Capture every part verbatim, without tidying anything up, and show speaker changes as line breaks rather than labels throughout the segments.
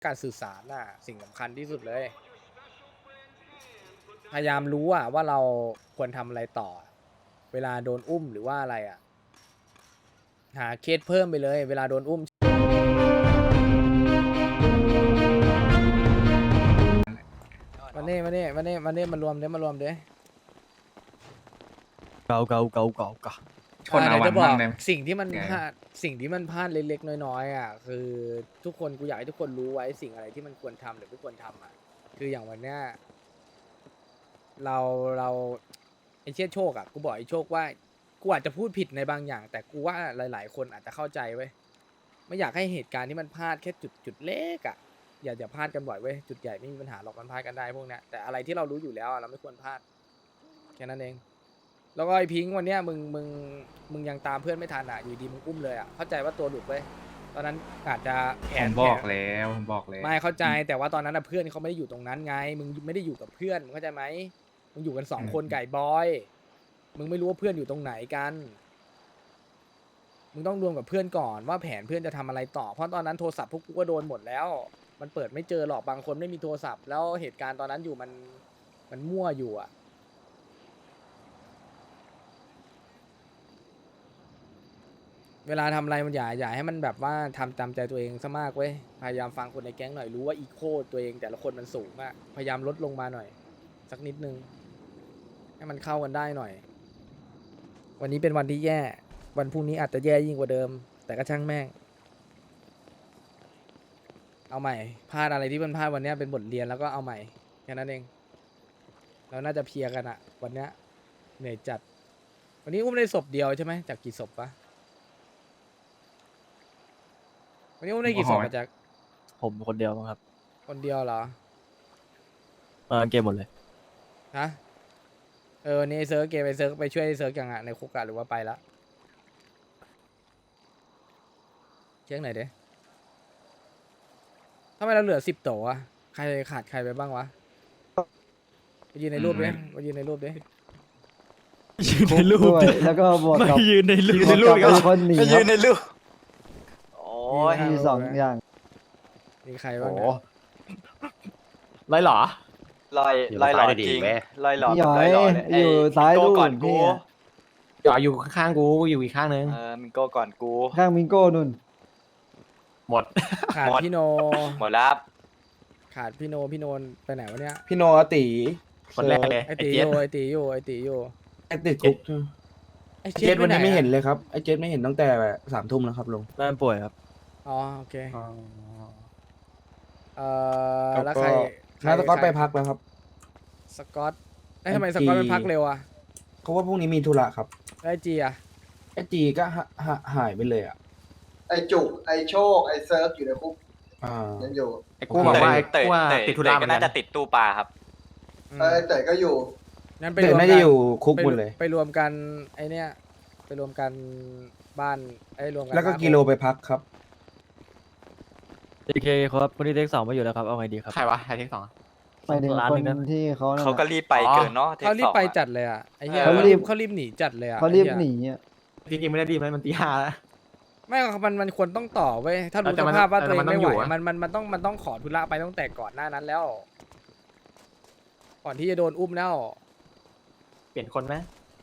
การสื่อสารน่ะสิ่งสำคัญที่สุดเลยพยายามรู้อะว่าเราควรทำอะไรต่อเวลาโดนอุ้มหรือว่าอะไรอะหาเคสเพิ่มไปเลยเวลาโดนอุ้มมาเน่มาเน่มาเน่มาเน่มารวมเด้มารวมเด้
เกาเกาเกาเกาเกา
ชนเอาวัน
จะบอ
มั่
ก
งเลย
สิ่งที่มัน
ไง
พลาดสิ่งที่มันพลาดเล็กๆน้อยๆอ่ะคือทุกคนกูอยากให้ทุกคนรู้ไว้สิ่งอะไรที่มันควรทำหรือไม่ควรทำอ่ะคืออย่างวันเนี้ยเราเราไอ้เชี่ยโชคอ่ะกูบอกไอ้โชคว่ากูอาจจะพูดผิดในบางอย่าง แต่กูว่าหลาย ๆ คนอาจจะเข้าใจเว้ยไม่อยากให้เหตุการณ์ที่มันพลาดแค่จุดจุดเล็กอ่ะอย่าอย่าพลาดกันบ่อยเว้ยจุดใหญ่ไม่มีปัญหาหรอกมันพลาดกันได้พวกเนี้ยแต่อะไรที่เรารู้อยู่แล้วอะเราไม่ควรพลาดแค่นั้นเองแล้วก็ไอ้พิงค์วันเนี้ยมึงมึงมึงยังตามเพื่อนไม่ทันอ่ะอยู่ดีมึงอุ้มเลยอ่ะเข้าใจว่าตัวหลุดเว้ยตอนนั้นอาจจะแผ
ผ
น
มบอก
แผน
แล้วผมบอกแล้ว
ไม่เข้าใจแต่ว่าตอนนั้นนะเพื่อนเขาไม่ได้อยู่ตรงนั้นไงมึงไม่ได้อยู่กับเพื่อนมึงเข้าใจไหมมึงอยู่กันสองคนไก่บอยมึงไม่รู้ว่าเพื่อนอยู่ตรงไหนกันมึงต้องรวมกับเพื่อนก่อนว่าแผนเพื่อนจะทำอะไรต่อเพราะตอนนั้นโทรศัพท์พวกกูก็โดนหมดแล้วมันเปิดไม่เจอหรอกบางคนไม่มีโทรศัพท์แล้วเหตุการณ์ตอนนั้นอยู่มันมันมั่วอยู่อ่ะเวลาทำอะไรมันอย่าอย่าให้มันแบบว่าทำตามใจตัวเองซะมากเว้ยพยายามฟังคนในแก๊งหน่อยรู้ว่าอีโคตัวเองแต่ละคนมันสูงอะพยายามลดลงมาหน่อยสักนิดนึงให้มันเข้ากันได้หน่อย วันนี้เป็นวันที่แย่วันพรุ่งนี้อาจจะแย่ยิ่งกว่าเดิม แต่ก็ช่างแม่งเอาใหม่พลาดอะไรที่มันพลาดวันนี้เป็นบทเรียนแล้วก็เอาใหม่แค่นั้นเองเราน่าจะเพลียกันอะวันนี้เหนื่อยจัดวันนี้อุ้มได้ศพเดียวใช่ไหมจากกี่ศพปะวันนี้อุ้มได้กี่ศพมาจาก
ผมคนเดียวมั้งครับ
คนเดียวเหรอ
เออเกมหมดเลย
ฮะ เออวันนี้ไอ้เซิร์ฟเกมไปเซิร์ฟไปช่วยไอ้เซิร์ฟยังอะในคุกอะหรือว่าไปละเช็คหน่อยดิทำไมเราเหลือสิบโตอะใครขาดใครไปบ้างวะไปยืนในรูปดิไปยืนในรูปดิ
ยืนในรูป
ด้วย
ดิ
แล้วก็บวก
ไม่
กับ
ยืนในรูป
บวกกับเป็นคนหนี
ไป
ค
ยื
รับ
นในรูปโอ้ย
มีสองอย่าง
มีใคร
โอ้
บ้าง
โห
เนี่ย
ไรหรอ
ลอยลอยหลอจริงลอยหลอ
พี่ห
กับ
อย
ลอยหลอเนี่ย
อยู่ซ้าย
มิ
นู่
โก้
น
ก่อนกู
พี่อะ
อย่าอยู่ข้างๆกูอยู่อีกข้างนึง
เออมิโก้ก่อนกู
ข้างมิงโก้นุ่น
หมด
ขาด
หมด
พี่โน
หมดแล้วครับ
ขาดพี่โนพี่โนนไปไหนวะเนี่ย
พี่โนอาติ
คนแรกเลย
ไอ
ไอ้
ตีอ
เจี๊ยบ
ยู่ไอตีอยู่ไอตีอยู่
ไอติดคุก
ไอ
ไอ
เจ็
เจ็
ด
ด
ไป
วัน
ไหน
นี้ไม่เห็น
อะ
เลยครับไอเจ็ดไม่เห็นตั้งแต่สามทุ่มแล้วครับลุง
แม่ป่วยครับ
อ๋อโอเค
อ๋อ
เอ่อ
แล้
แล้ว
วก็
ใครใคร
น้าสก๊อต
ใคร
ไปพักแล้วครับ
สกอตไอยทำไมสกอตไปพักเร็วอะ
เขาว่าพรุ่งนี้มีธุระครับ
แล้วไอจีอะ
ไอจีก็หาหาหายไปเลยอ่ะ
ไอจุก ไอโชค ไอเซิร์ฟอยู่ในคุก
อ่า
ยังอยู่
ไอ้
กู
กู
บบ อ
อก ก
ว่า
ว่า
ไอ้เตย
ว่า
เตย
ติดธุ
เต
ระ
ย
เหมื
ก็
อนกั
น่าน จะติดตู้ปลาครับ
อืม
ไอเตยก็อยู่
งั้นไป
แต่
รวม
น่า
กั
จะ
น
อยู่คุก
ไป
หมดเลย
ไปรวมกันไอเนี้ยไปรวมกันบ้านไอ้ยรวมกัน
แล้วก็
บ้าน
กิโลไปพักครับ
โอเคครับคนที่เทคสองมาอยู่แล้วครับเอาไงดีครับ
ใครวะใครที่สอง
ไปถึง
ร้าน
ค
หนึ่
น
งนะ
ที่เขานั่น
เขาก็
น่ะ
รีบไปเกินเนาะ
เขารีบ
ทคสอง
ไป
อะ
จัดเลยอ่ะไอ้เหี้ย
เออ
เขารีบเขารีบหนีจัดเลยอ่ะ
เขารีบ
ไอ้
ห
หี้ย
นีอ่ะ
จริงๆไม่ได้ดีไหมมันตีห้าแล้ว
ไม่มันมันควรต้องต่อเว้ยถ้ารู้
แต่
ส
มัน
ภาพว่าตัวเอ
แต่
ง
มันต้
ไม่
อง
ไหว
อยู่อะ
มันมันมันต้องมันต้องขอธุระไปตั้งแต่ก่อนหน้านั้นแล้ว ก่อนที่จะโดนอุ้มแล้ว
เปลี่ยนคนไหม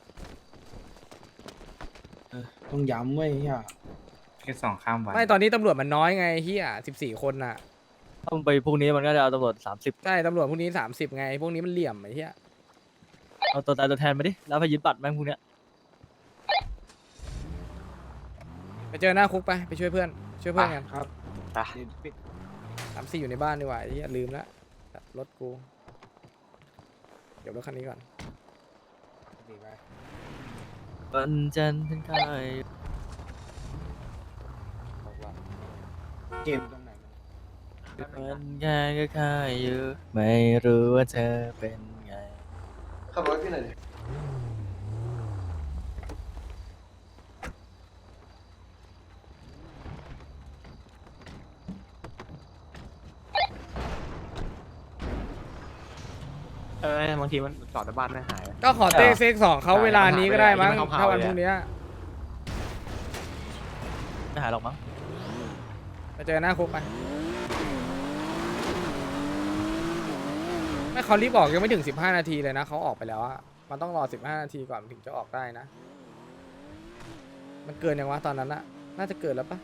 ต้องย้ำเว้ยอ่ะ
แค่สองข้ามวัน
ไม่ตอนนี้ตำรวจมันน้อยไงเฮียสิบสี่คนน่ะ
ต้องไปพรุ่งนี้มันก็จะเอาตำรวจสามสิบ
ใช่ตำรวจพวกนี้สามสิบไงพวกนี้มันเหลี่ยมไอ้เหี้ย
เอาตัวตายตัวแทนมาดิแล้วไปยึดบัตรแม่งพวกเนี้ย
ไปเจอหน้าคุกไปไปช่วยเพื่อนช่วยเพื่อนกัน
ครับ
ไป
สามสี่อยู่ในบ้านดีกว่าไอ้เหี้ยลืมละตัดรถกูเดี๋ยวรถคันนี้ก่อน
วันจันทร์เป็นใคร
เกมตรงไหน
วันงานก็ค่ายอยู่ไม่รู้ว่าเธอเป็นไง
ขับรถพี่หน่อยดิ
เออบางทีมันจอดในบ้านไม่หาย
ก็ขอเต้เซ็กสองเขา
ใช่
เวลานี้ก็ได้มั้ง
มันหา
ถ้าวัน
ไม่ได้
พรุ่งเนี้ย
ไม่หายหรอกมั้ง
ไปเจอหน้าคุกไปไม่เขารีบออกยังไม่ถึงสิบห้านาทีเลยนะเขาออกไปแล้วอะมันต้องรอสิบห้านาทีก่อนถึงจะออกได้นะมันเกินยังวะตอนนั้นอะน่าจะเกินแล้วปะ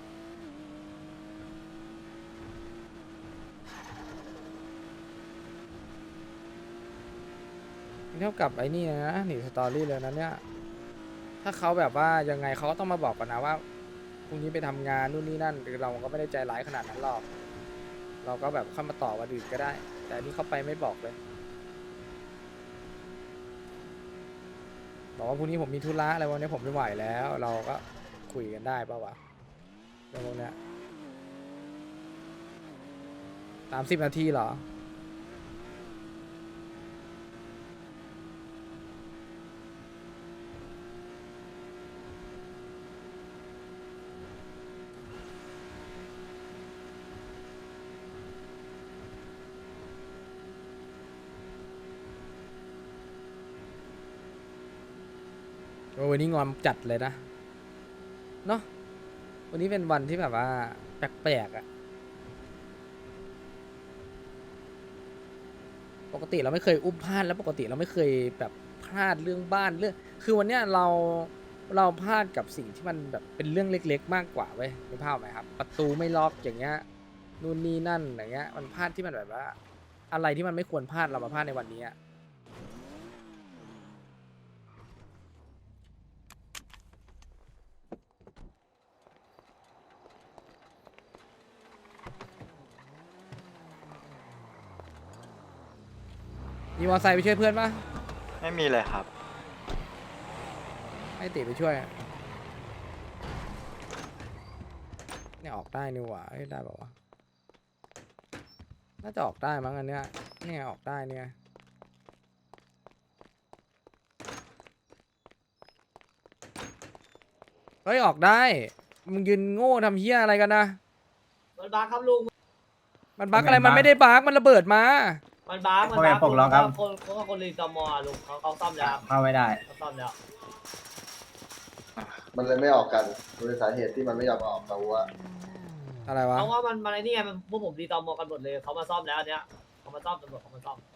เท่ากับไอ้นี่นะหนีสตอรี่เลยนะเนี่ยถ้าเขาแบบว่ายังไงเขาก็ต้องมาบอกกันนะว่าพรุ่งนี้ไปทำงานนู่นนี่นั่นหรือเราก็ไม่ได้ใจร้ายขนาดนั้นหรอกเราก็แบบเข้ามาต่อวันอื่นก็ได้แต่อันนี่เขาไปไม่บอกเลยบอกว่าพรุ่งนี้ผมมีธุระอะไรวันนี้ผมไม่ไหวแล้วเราก็คุยกันได้ป่าวะเรื่องพวกเนี้ยสามสิบนาทีเหรอโอ้วันนี้งอมจัดเลยนะเนาะวันนี้เป็นวันที่แบบว่าแปลกๆอะปกติเราไม่เคยอุ้มพลาดแล้วปกติเราไม่เคยแบบพลาดเรื่องบ้านเรื่องคือวันเนี้ยเราเราพลาดกับสิ่งที่มันแบบเป็นเรื่องเล็กๆมากกว่าเว้ยรู้ภาพไหมครับประตูไม่ล็อกอย่างเงี้ยนู่นนี่นั่นอย่างเงี้ยมันพลาดที่มันแบบว่าอะไรที่มันไม่ควรพลาดเรามาพลาดในวันนี้อะมีมอเตอร์ไซค์ไปช่วยเพื่อนปะ
ไม่มีเลยครับ
ให้ติไปช่วยอะเนี่ยออกได้นี่หว่าเอ้ยได้บอกว่าวะน่าจะออกได้มั้งอันเนี้ยเนี่ยออกได้เนี่ยเฮ้ยออกได้มึงยืนโง่ทำเฮี้ยอะไรกันนะ
มันบักครับลุง
มันบั๊กอะไรมันไม่ได้บั๊กมันระเบิดมา
มันบักมันบักลุงเขาคนเขาคนรีตอมอลุงเขาเขาซ่อมแล้ว
เข้าไม่ได้
เขาซ่อมแล้ว
มันเลยไม่ออกกันโดยสาเหตุที่มันไม่ยอมออกแต่ว่า
อะไรวะ
เพราะว่ามันมันไอ้นี่ไงมันพวกผมรีตอมอกันหมดเลยเขามาซ่อมแล้วอันเนี้ยเขามาซ่อมตำรวจเขามาซ่อม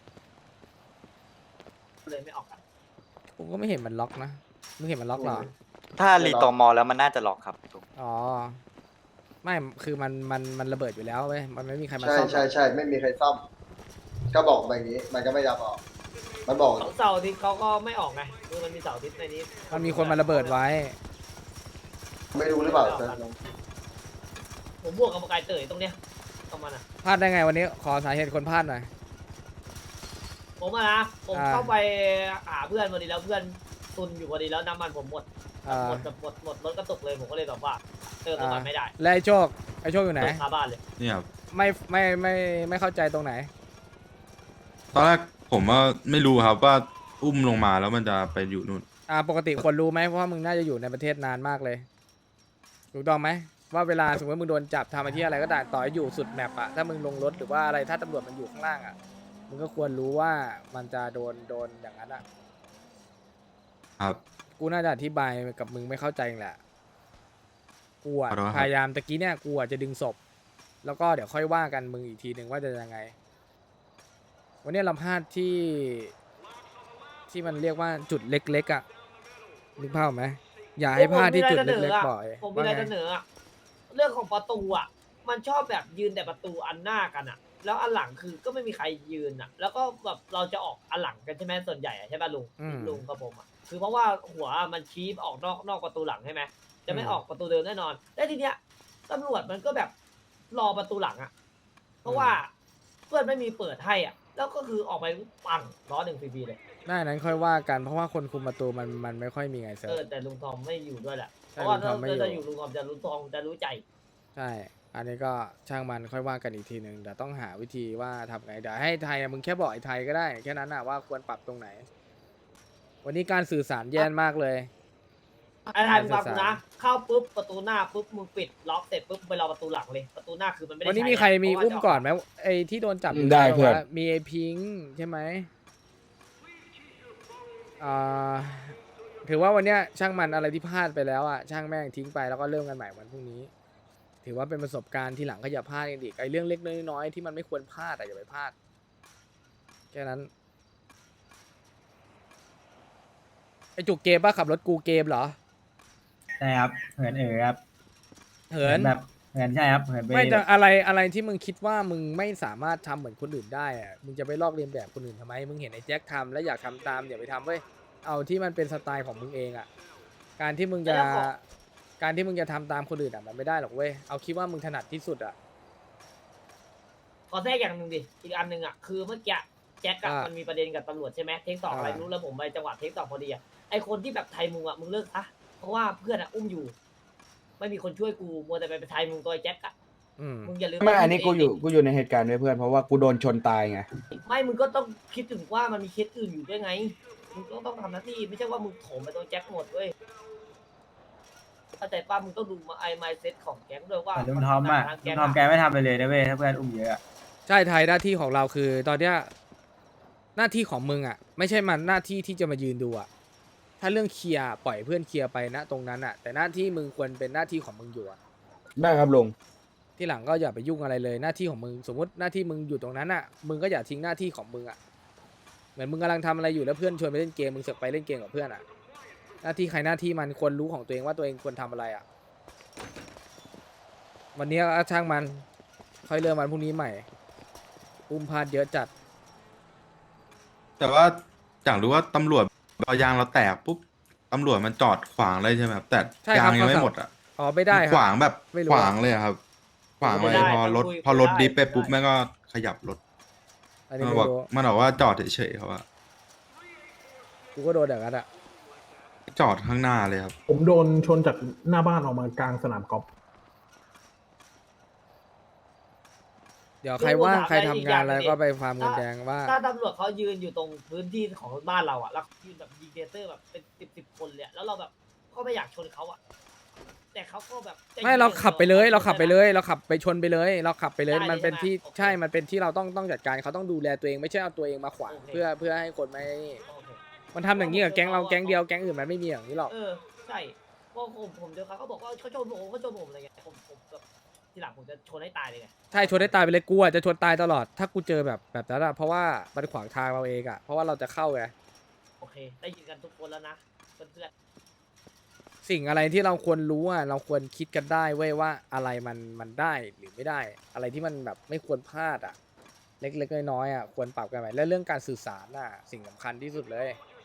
เลยไม่ออกกัน
ผมก็ไม่เห็นมันล็อกนะมึงเห็นมันล็อกเหรอ
ถ้ารีตอมอแล้วมันน่าจะล็อกครับลุง
อ๋อไม่คือมันมันมันระเบิดอยู่แล้วเว้ยมันไม่มีใครมา
ใช่
ซ่อม
ใช่ใช่ไม่มีใครซ่อม ก็บอกมาอย่างนี้ มันก็ไม่ยอมออก มันบอก
ของเสาร์อาทิตย์เขาก็ไม่ออกไงคือมันมีเสาร์อาทิตย์ในนี้
มันมีคนมาระเบิดไว้
ไม่รู้หรือเปล่าเซิร์ฟ
ผมบวกกับไก่เตยตรงเนี้ยตรงมันอ่ะ
พลาดได้ไงวันนี้ขอสาเหตุคนพลาดหน่อย
ผมอะนะผม
อ่า
เข้าไปหาเพื่อนพอดีแล้วเพื่อนตุนอยู่พอดีแล้วน้ำมันผมหมด
อ่า
หมดแบบหมดหมดรถกระตุกเลยผมก็เลยแบบว่าเติมน้ำมันไม่ได้
แล้วไอ้โชคไอ้โชคอยู่ไหน
เติมคาบ้านเลย
เนี่ยครับ
ไม่ไม่ไม่ไม่เข้าใจตรงไหน
ตอนแรกผมว่าไม่รู้ครับว่าอุ้มลงมาแล้วมันจะไปอยู่นู่น
อ่าปกติควรรู้ไหมเพราะว่ามึงน่าจะอยู่ในประเทศนานมากเลยถูกต้องไหมว่าเวลาสมมติมึงโดนจับทำอะไรที่อะไรก็ได้ต่อให้อยู่สุดแมปอะถ้ามึงลงรถหรือว่าอะไรถ้าตำรวจมันอยู่ข้างล่างอะมึงก็ควรรู้ว่ามันจะโดนโดนอย่างนั้นอะ
ครับ
กูน่าจะอธิบายกับมึงไม่เข้าใจแหละกูอะ
ขอโทษครับ
พยายามตะกี้เนี่ยกูอะจะดึงศพแล้วก็เดี๋ยวค่อยว่ากันมึงอีกทีหนึ่งว่าจะยังไง วันนี้เราพลาดที่ที่มันเรียกว่าจุดเล็กๆอะนึกภาพออกไหมอย่าให้พลาดที่จุดเล็กๆบ่อย
ผมมีอะไรจะเสนออะเรื่องของประตูอ่ะ มันชอบแบบยืนแต่ประตูอันหน้ากันอ่ะ แล้วอันหลังคือก็ไม่มีใครยืนอ่ะ แล้วก็แบบเราจะออกอันหลังกันใช่ไหมส่วนใหญ่อะใช่ป่ะลุง
อืม
ลุงกับผมอ่ะคือเพราะว่าหัวมันชี้ออกนอกนอกประตูหลังใช่ไหมจะไม่ออกประตูเดิมแน่นอนแล้วทีเนี้ยตำรวจมันก็แบบรอประตูหลังอ่ะ เพราะว่าเพื่อนไม่มีเปิดให้อ่ะ แล้วก็คือออกไปปังล้อหนึ่งฟรีๆเลย
ได้นั้นค่อยว่ากันเพราะว่าคนคุมประตูมันมันไม่ค่อยมีไงเซิ
เอ
ร์
อ
ฟ
แต่ลุงทอมไม่อยู่ด้วยแหละ
ใช่
เพราะว่า
ลุงทอมไม่อยู่
ถ้าอยู่ลุงทอมจะรู้ทองจะรู้ใจ
ใช่ อันนี้ก็ช่างมันค่อยว่ากันอีกทีหนึ่งเดี๋ยวต้องหาวิธีว่าทำไงเดี๋ยวให้ไทยอะมึงแค่บอกไอ้ไทยก็ได้แค่นั้นนะว่าควรปรับตรงไหน วันนี้การสื่อสารแย่มากเลย
ไอ้ทายมึงฟังกูนะ เข้าปุ๊บประตูหน้าปุ๊บมึงปิดล็อกเสร็จปุ๊บไปรอประตูหลังเลย ประตูหน้าคือมันไม่ได้
วันนี้
ใช้
มีใครมี
เพาะว่า
อุ้ม
จะ
ก่อนไหมไอ้ที่โดนจับ
ได้
ยู่
เพื่อน
ว่ามีไอ้พิงค์ใช่ไหมอ่าถือว่าวันเนี้ยช่างมันอะไรที่พลาดไปแล้วอ่ะช่างแม่งทิ้งไปแล้วก็เริ่มกันใหม่วันพรุ่งนี้ ถือว่าเป็นประสบการณ์ที่หลังก็อย่าพลาดกันอีกไอ้เรื่องเล็กน้อยๆที่มันไม่ควรพลาดอะอย่าไปพลาดแค่นั้นไอจุกเกมป่ะขับรถกูเกมเหรอ
ใช่ครับเหินเอ๋อครับ
เหิน
แบบเหินใช่ครับเหินไป
ไม่แต่อะไรอะไรที่มึงคิดว่ามึงไม่สามารถทำเหมือนคนอื่นได้อะมึงจะไปลอกเลียนแบบคนอื่นทำไมมึงเห็นไอ้แจ็คทำแล้วอยากทำตามอย่าไปทำเว้ยเอาที่มันเป็นสไตล์ของมึงเองอ่ะการที่มึงจะ
แล้วขอ
การที่มึงจะทำตามคนอื่นอ่ะมันไม่ได้หรอกเว้ยเอาคิดว่ามึงถนัดที่สุดอ่ะ
ขอแทรกอย่างหนึ่งดิ อีกอันหนึ่งอ่ะ คือเมื่อกี้แจ็คอะ
อ่ามั
มันมีประเด็นกับตำรวจใช่ไหมเทคสองอะไร
อ่า
ไม่รู้แล้วผมไปจังหวะเทคสองพอดีอ่ะ ไอคนที่แบบไทยมุงอ่ะ มึงเลิกซะเพราะว่าเพื่อนอ่ะอุ้มอยู่ ไม่มีคนช่วยกูมัวแต่ไปไทยมุงตัวไอ้แจ็คอ่ะ
อืม
มึงอย่าลืม
ไม่
ว่า
อันนี้กู
มึง
อยู่
เง
กูอยู่ในเหตุการณ์ด้วยเพื่อนเพราะว่ากูโดนชนตายไง
ไม่ มึงก็ต้องคิดถึงว่ามันมีเคสอื่นอยู่ด้วยไง มึงก็ต้องทำหน้าที่ไม่ใช่ว่ามึงโถมไปตัวแจ็คหมดเว้ยเข้าใจป่ะมึงต้องดูมาไอไมเซ็ตของแก๊งด้วยว่า
แต่ลุงทอมอ่ะ
ทาง
ลุ
แก๊
ง
ง
ทอมแก
อะ
ไม่ทำไปเลยนะเว้ยถ้าเพื่อนอุ้มเยอะอะ
ใช่ไทยหน้าที่ของเราคือ ตอนเนี้ยหน้าที่ของมึงอ่ะ ไม่ใช่มันหน้าที่ที่จะมายืนดูอ่ะถ้าเรื่องเคลียร์ปล่อยเพื่อนเคลียร์ไปนะตรงนั้นอ่ะ แต่หน้าที่มึงควรเป็นหน้าที่ของมึงอยู่อ่ะ
ได้ครับลุง
ที่หลังก็อย่าไปยุ่งอะไรเลยหน้าที่ของมึงสมมติหน้าที่มึงอยู่ตรงนั้นอ่ะมึงก็อย่าทิ้งหน้าที่ของมึงอ่ะเหมือนมึงกำลังทำอะไรอยู่แล้วเพื่อนชวนไปเล่นเกมมึงเสือกไปเล่นเกมกับเพื่อนอ่ะหน้าที่ใครหน้าที่มันควรรู้ของตัวเองว่าตัวเองควรทำอะไรอ่ะวันนี้ก็ช่างมันค่อยเริ่มวันพรุ่งนี้ใหม่อุ้มพลาดเยอะจัด
แต่ว่าอยากรู้ว่าตำรวจพอยางเราแตกปุ๊บตำรวจมันจอดขวางเลยใช่ไหมครับแต่
ใช่
ยา
ครับ
งยังไม่
เขา
หมดอ่ะ
อ๋อไม่ได้ค
ข
รับ
วางแบบ
ไม่รู้
ข
อะ
วางเลยอะครับ ขวาง
ไม่
เลย
ได้
พอรถ
คุย
พอรถ
ไม่ได้
ดิฟไปปุ๊บ
ไม่ได้
แม่งก็ขยับรถ
อันนี้
มัน
ไม่
บอก
รู้
มันบอกว่าจอดเฉยๆครับว่า
กูก็โดนอย่างนั้นอ่ะ
จอดข้างหน้าเลยครับ
ผมโดนชนจากหน้าบ้านออกมากลางสนามกอล์ฟ
เดี๋ยวใครว่างใครทำงานอะไรก็ไปฟาร์มเงินแดงว่า
ถ้าตำรวจเขายืนอยู่ตรงพื้นที่ของบ้านเราอ่ะแล้วยืนแบบยิงเทเตอร์แบบเป็นสิบสิบคนเลยอะแล้วเราแบบก็ไม่อยากชนเขาอ่ะแต่เขาก็แบบจะ
ไม่เราขับไปเลยเราขับไปเลย เราขับไปชนไปเลย เราขับไปเลย
ได้เลย
มันเป็นที่
ใช่ไหมโอเค
ใช่มันเป็นที่เราต้องต้องจัดการเขาต้องดูแลตัวเองไม่ใช่เอาตัวเองมาขวาง
โอเค
เพื่อเพื่อให้คนไม่
โอเค
มันทำอย่างนี้กับแก๊งเราแก๊งเดียวแก๊งอื่นมันไม่มีอย่างนี้หรอก
เออใช่พอผมผมเจอเขาเขาบอกว่าเขาชนผมเขาชนผมอะไรเงี้ยผมผมแบบทีหลังผมจะชนให้ตายเลยไง
ใช่ชนได้ตายไปเลยกูอ่ะจะชนตายตลอด ถ้ากูเจอแบบแบบนั้นอะเพราะว่ามันขวางทางเราเองอะเพราะว่าเราจะเข้าไง
โอเค ได้ยินกันทุกคนแล้วนะเพื่อน
สิ่งอะไรที่เราควรรู้อ่ะเราควรคิดกันได้เว้ยว่าอะไรมันมันได้หรือไม่ได้ อะไรที่มันแบบไม่ควรพลาดอ่ะ เล็กๆน้อยๆอ่ะควรปรับกันใหม่และเรื่องการสื่อสารอ่ะสิ่งสำคัญที่สุดเลย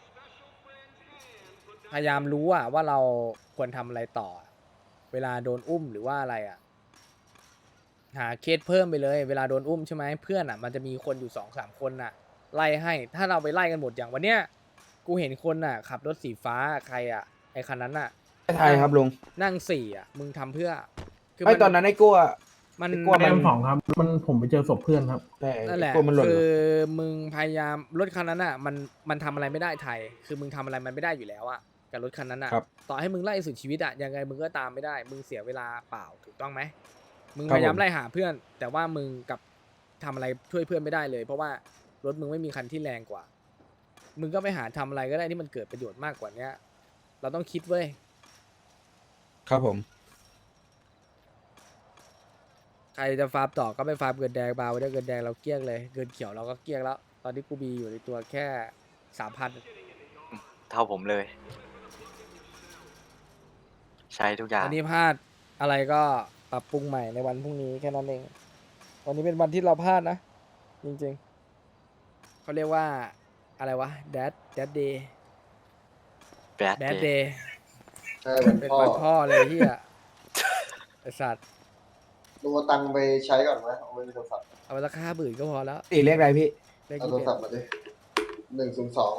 พยายามรู้อ่ะว่าเราควรทำอะไรต่อ เวลาโดนอุ้มหรือว่าอะไรอ่ะ หาเคสเพิ่มไปเลย เวลาโดนอุ้มใช่ไหมเพื่อนอ่ะมันจะมีคนอยู่สองสามคนอ่ะ ไล่ให้ถ้าเราไปไล่กันหมดอย่างวันเนี้ยกูเห็นคนอ่ะ ขับรถสีฟ้าใครอ่ะไอคันนั้นอ่ะ
ไทยครับลุง
นั่งสี่อ่ะ มึงทำเพื่อ
ไอ้ตอนนั้นไอ้กลัว
มัน
ไอ้กลัว
แอมสองครับ มันผมไปเจอศพเพื่อนครับ
แต่
นั่นแหละ
กลัวมันหล่น
คือมึงพยายามรถคันนั้นอ่ะ มันมันทำอะไรไม่ได้ไทย คือมึงทำอะไรมันไม่ได้อยู่แล้วอ่ะกับรถคันนั้นอ่ะ
ครับ
ต่อให้มึงไล่สุดชีวิตอ่ะยังไงมึงก็ตามไม่ได้ มึงเสียเวลาเปล่าถูกต้องไหมมึง
ครับ
พยายาม
ผม
ไล่หาเพื่อน แต่ว่ามึงกับทำอะไรช่วยเพื่อนไม่ได้เลย เพราะว่ารถมึงไม่มีคันที่แรงกว่า มึงก็ไปหาทำอะไรก็ได้ที่มันเกิดประโยชน์มากกว่าเนี้ย เราต้องคิดเว้ย
ครับผม
ใครจะฟาร์มต่อก็ไปฟาร์มเกินแดงเบาได้เกินแดงเราเกลี้ยงเลยเกินเขียวเราก็เกลี้ยงแล้ว ตอนนี้กูมีอยู่ในตัวแค่สามพัน
เท่าผมเลย ใช้ทุกอย่าง
อันนี้พลาดอะไรก็ปรับปรุงใหม่ในวันพรุ่งนี้แค่นั้นเอง วันนี้เป็นวันที่เราพลาดนะ จริงๆ เขาเรียกว่าอะไรวะ dad dad day
Bad
dad
day
day
ใช่วัน
เป็น
พ่อ
วันพ่อเลยที่อะไอสัตว์
ลุงเอาตังค์ไปใช้ก่อนไหมเอาไว้ในโทรศัพท์
เอาไปราคาบื่นก็พอแล้ว
ตีเลขอะไรพี่
เลข
เอา
ยี่
โทร
สิบ
ศัพท์มาดิหนึ่งศูนย์สอง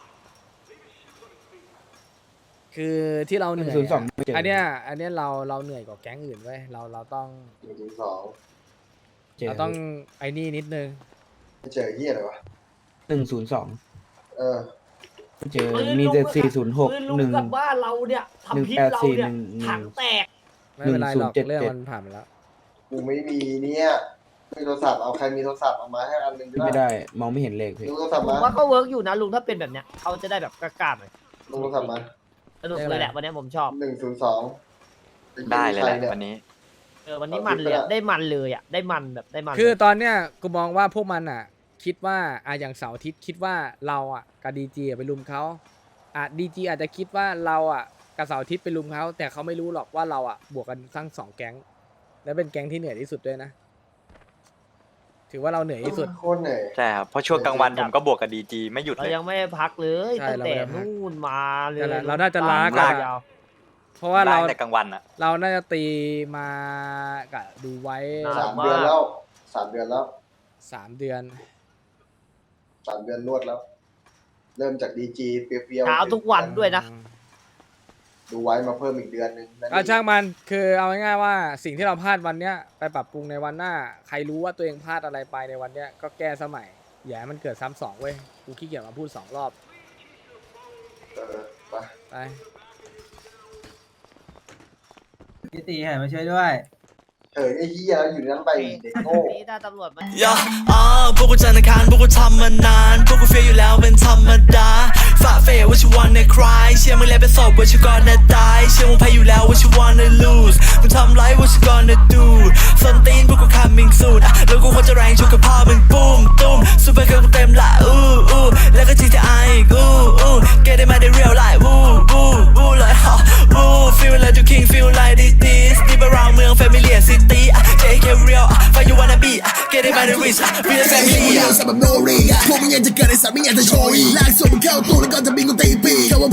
คือที่เราเหนื่อย
ศูนย์สอง
อะ
ไม่เจออั
อันเนี้ยอันเนี้ยเราเราเหนื่อยกว่าแก๊งอื่นเว้ยเราเราต้อง
หนึ่งศูนย์สอง
เจอ
เราต้องไอ้นี่นิดนึง
ไม่เจอเฮียอะไรวะ
หนึ่งศูนย์สอง
เออ
เจอ
ปืน
มี
ลุง
แต่
อะ
สี่ศูนย์หก
ปืนลุง
หนึ่ง
กับบ้านเราเนี่ยทำพิษเราเนี่ย
หนึ่งแปดสี่หนึ่ง
ถังแตก
ไม่เป็นไรหรอก
หนึ่งศูนย์เจ็ดเจ็ด
เรื่องมันผ่านมาแล้ว
กูไม่มีเนี่ยมีโทรศัพท์เอาใครมีโทรศัพท์เอามาให้อันหนึ่ง
ไม่ได้ มองไม่เห็นเลขพี่
ลุงโทรศัพท์
ผม
มา
ว่าก็เวิร์กอยู่นะลุงถ้าเป็นแบบเนี้ยเขาจะได้แบบกล้าๆหน่อย
ลุงโทรศัพท์มา
สนุกเลยแหละวันนี้ผมชอบ
หนึ่งศูนย์สอง
ได้เลยแหละวันนี้
เออวันนี้มันเลยอะได้มันเลยอ่ะได้มันแบบได้มัน
คือตอนเนี้ยกูมองว่าพวกมันอ่ะคิดว่าอ่ะอย่างเสาร์อาทิตย์คิดว่าเราอ่ะกับดีจีไปลุมเขาอ่ะดีจีอาจจะคิดว่าเราอ่ะกับเสาร์อาทิตย์ไปลุมเขาแต่เขาไม่รู้หรอกว่าเราอ่ะบวกกันทั้งสองแก๊งและเป็นแก๊งที่เหนื่อยที่สุดด้วยนะถือว่าเราเหนื่อยที่สุด
โคตรเหนื่อย
ใช่ครับเพราะช่วงกลางวันผมก็บวกกับดีจีไม่หยุด
เรา
เลย
ยังไม่ได้พักเลย
ใช่
ตั้งแต่
เราไม่ได้พัก
นู่นมาเลย
นั่นแหละเราน่าจะล้า
ตม
กัน
ล
อะ
ยาว
เพราะว่าเรา
ได้แต่กลางวันอ่ะ
เราน่าจะตีมากับดูไว้
สามเดือนแล้วสามเดือนแล้ว
สามเดือน
สามเดือนรวดแล้ว เริ่มจากดีจีเปรี้ยวๆ
เช้าทุกวันด้วยนะ
ดูไว้มาเพิ่มอีกเดือนหนึงนั่น
อ่ะ
เอง
ช่างมันคือเอาง่ายๆว่าสิ่งที่เราพลาดวันเนี้ยไปปรับปรุงในวันหน้า ใครรู้ว่าตัวเองพลาดอะไรไปในวันเนี้ยก็แก้สมัยอย่าให้มันเกิดซ้ำสองเว้ยกูขี้เกียจมาพูดสองรอบ
เออไป
ไป
พี่ตีให้มาช่วยด้วย
เออไอ้เหี้ยอยู่ในนั้นไปเด็กโง่
นี้ถ้าตำรวจมัน
ย่าอ่าพวกกูจันทร์อังคารพวกกูทำมานาน พวกกูเฟียอยู่แล้วเป็นธรรมดาฝ่าเฟยว่าชิวันในคลายเชื่อมึงแล้วเป็นศพว่าชิวก่อนจะตายเชื่อมึงแพ้อยู่แล้วว่าชิวันใน lose มึงทำไรว่าชิวันใน do ส้นตีนพวกกู coming soon อ่ะแล้วกูควรจะแรงชุกกับพ่อมึงปุ้มตุ้มซูเปอร์เกิร์ลกูเต็มละอู้อู้แล้วก็ จี ที ไอ อีกอู้อู้ get it มาได้ real life วู้วู้วู้เลยฮะวู้ feel like you king feel like this this deep around เมือง family and city อ่ะ เจ เค real อ่ะ find you wanna be อ่ะ get it มาได้ rich อ่ะ real family อ่ะ
พวกมึงยังจะเกิดในสามไม่อยากจะโชยลากส่งมึงเข้าตู้แล้วก็จะบินกูตีปี